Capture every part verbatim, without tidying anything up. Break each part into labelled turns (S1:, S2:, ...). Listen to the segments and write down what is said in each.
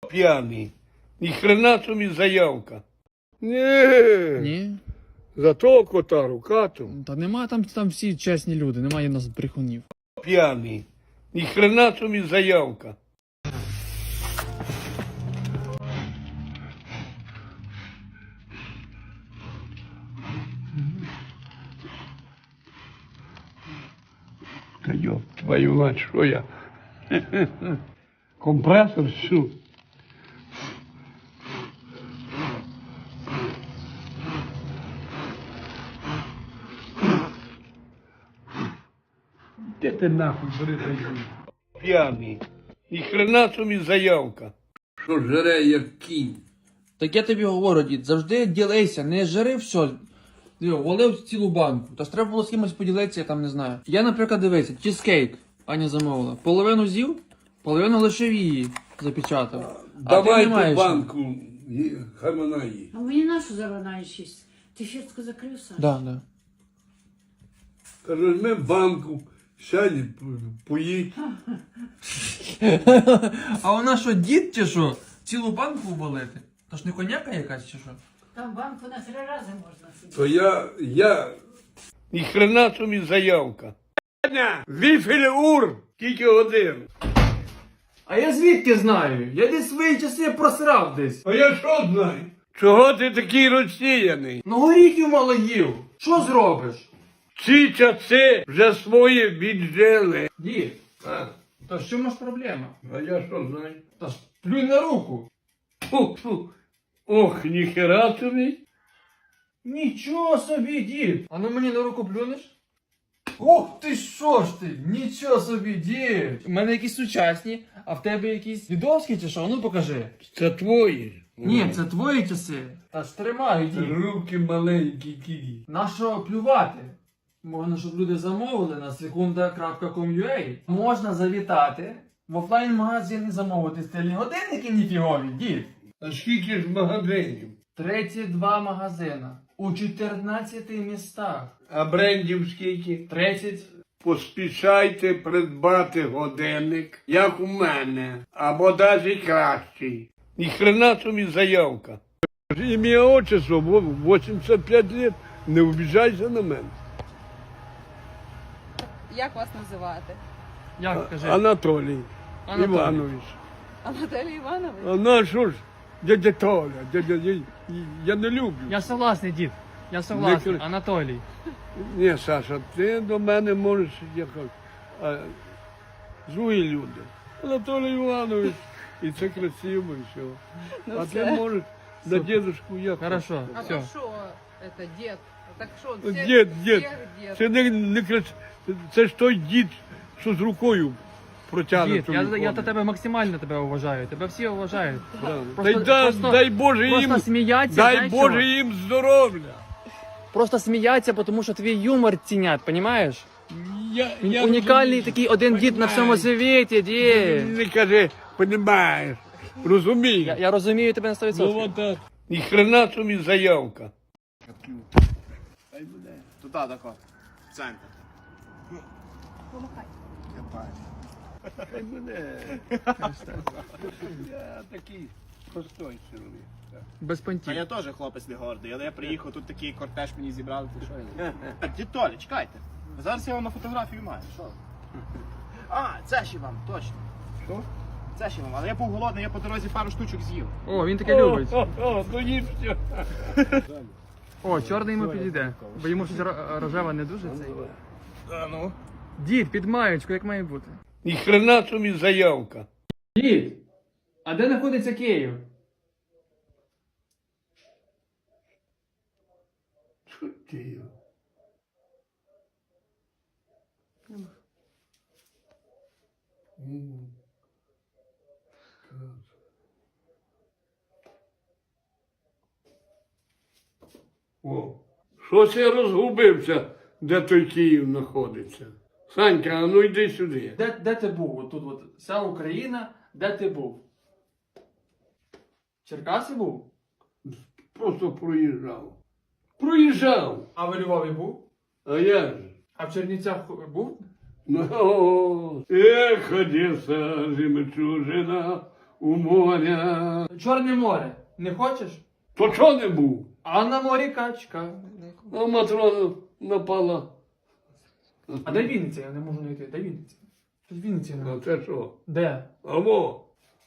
S1: п'яний. Ні хрена собі заявка. Ні.
S2: Ні?
S1: За того кота рукату.
S2: Та нема там, там всі чесні люди, немає нас брехунів.
S1: П'яний. Ні хрена собі заявка. Та йоп, твою мать, що я? Компресор всю. Де ти нахуй бери даю? П'яний. Ні хрена собі заявка. Що жере, як кінь.
S2: Так я тобі говорю, дід, завжди ділися, не жири все. Диво, валив цілу банку. Та ж треба було з кимось поділитися, я там не знаю. Я, наприклад, дивися, чизкейк Аня замовила. Половину з'їв, половину лишив її, запечатав.
S1: Давай
S2: маєш.
S1: ту банку, хай вона їсть.
S3: А мені нашу завинаєш їсть? Ти фіртку закрив, Саш?
S2: Да, да.
S1: Каже, візьми банку, сядь, поїдь.
S2: А вона що, дід чи що? Цілу банку валити? То ж не коняка якась чи що?
S3: Там банку на три рази можна сидіти.
S1: То я, я... Ні хрена собі заявка. Віфель ур, кілька годин.
S2: А я звідки знаю? Я десь свої часи просрав десь.
S1: А я що знаю? Чого ти такий розсіяний?
S2: Ну горіхів мало їв. Що зробиш?
S1: Ці часи вже свої віджили.
S2: Дід,
S1: А,
S2: то що ж проблема?
S1: а я що знаю?
S2: Та ж плюнь на руку.
S1: Фу, фу. Ох, ніхера тобі.
S2: Нічого собі, дід. А ну мені на руку плюнеш? Ох ти що ж ти, нічого собі, дід. У мене якісь сучасні, а в тебе якісь дідовські чи що? Ну покажи.
S1: Це твої.
S2: Ні, це твої часи. Та ж тримаю, дід.
S1: Руки маленькі кії.
S2: Нащо плювати? Можна, щоб люди замовили на секунда крапка ком ю а. Можна завітати в офлайн-магазин і замовити стильні годинники ніфігові, дід.
S1: А скільки ж магазинів?
S2: тридцять два магазина у чотирнадцяти містах.
S1: А брендів скільки?
S2: тридцять.
S1: Поспішайте придбати годинник, як у мене, або навіть кращий. Ні хрена собі заявка. Ім'я отчество, вісімдесят п'ять років, не обіжайся на мене.
S4: Як вас називати?
S2: Як кажи?
S1: Анатолій,
S2: Анатолій.
S1: Іванович.
S4: Анатолій Іванович?
S1: А на що ж, дядя Толя, дядя, я, я не люблю.
S2: Я согласний, дід. Я согласний.
S1: Не кр-
S2: Анатолій.
S1: Ні, Саша, ти до мене можеш якось. А, злі люди. Анатолій Іванович. І це красиво, і все.
S4: Ну,
S1: А
S4: це-
S1: ти можеш на дедушку як.
S2: Хорошо,
S4: А
S2: все.
S4: то що це дід? Так що,
S1: Ну,
S4: це
S1: Дід, дід.
S4: дід.
S1: Це не, не крас... Це ж той дід, що з рукою протягне.
S2: Дід, я, я до тебе максимально тебе вважаю. Тебе всі вважають.
S1: Просто,
S2: Просто-
S1: дай,
S2: просто-
S1: дай Боже
S2: Просто
S1: їм,
S2: сміяться,
S1: дай
S2: знаєш
S1: Боже
S2: чого?
S1: їм здоров'я.
S2: Просто сміяться, тому що твій юмор цінять, розумієш?
S1: Я,
S2: Він
S1: я
S2: унікальний
S1: розумію.
S2: такий один дід на всьому світі, дід.
S1: Не кажи, понімаєш, розумієш.
S2: Я, я розумію тебе на сто
S1: Ну
S2: відсотків.
S1: от так. Ні хрена собі заявка.
S5: Туди, так от. В центр.
S1: Хай буде. Я такий простой чоловік.
S2: Без
S5: А
S2: понтів.
S5: я теж хлопець не гордий, але я приїхав, тут такий кортеж мені зібрали, ти що я? Дід Толя, чекайте. Зараз я вам на фотографію маю, що? А, це ще вам, точно.
S1: Що?
S5: Це ще вам, але я був голодний, я по дорозі пару штучок з'їв.
S2: О, він таке любить.
S1: О, о, ну їм все.
S2: О, чорний йому підійде. Бо йому щось ро- рожева не дуже цей.
S5: А ну?
S2: Дід, під маєчку, як має бути.
S1: Ні хрена собі заявка.
S2: Дід, а де знаходиться Київ?
S1: Що ти його? М. О, щось я розгубився, де той Київ знаходиться. Санька, а ну йди сюди.
S2: Де, де ти був? От тут от вся Україна, де ти був? В Черкасі був?
S1: Просто проїжджав. Проїжджав.
S2: А в Львові був?
S1: А я ж.
S2: А в Чернівцях був?
S1: Ну, эх, Одесса, жемчужина, у моря.
S2: Чорне море. Не хочеш?
S1: То чого не був?
S2: А на морі качка.
S1: А Матрона напала.
S2: А де Вінниця? Я не можу знайти. Де Вінниця? Щось Вінниці
S1: А
S2: немає.
S1: це що?
S2: Де?
S1: А во.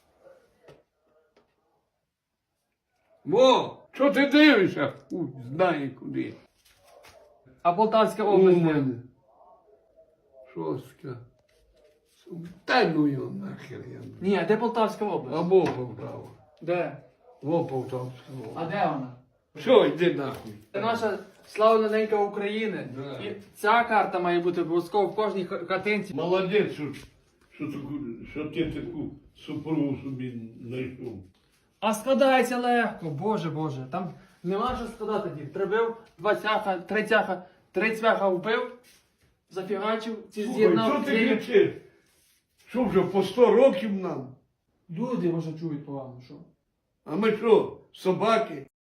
S1: Во, що ти дивишся? Хуй знає куди.
S2: А Полтавська
S1: У
S2: область де?
S1: мене. Шостка. Та ну його нахер я.
S2: Ні, а де Полтавська область?
S1: Або Полтава.
S2: Де?
S1: Во Полтавська.
S2: А де вона?
S1: Все, йди нахуй.
S2: Це наша славна ненька України.
S1: Да.
S2: І ця карта має бути обов'язково в кожній ха- хатинці.
S1: Молодець, що, що, таку, що ти таку супругу собі знайшов.
S2: А складається легко, боже боже. Там нема що складати, дід. Прибив два цяха, три цяха, три цвяха вбив, зафігачив, ці
S1: Слухай,
S2: з'єднав.
S1: що ти
S2: клеїв.
S1: кричиш? Що вже по сто років нам?
S2: Люди, може, чують погано, що?
S1: А ми що, собаки?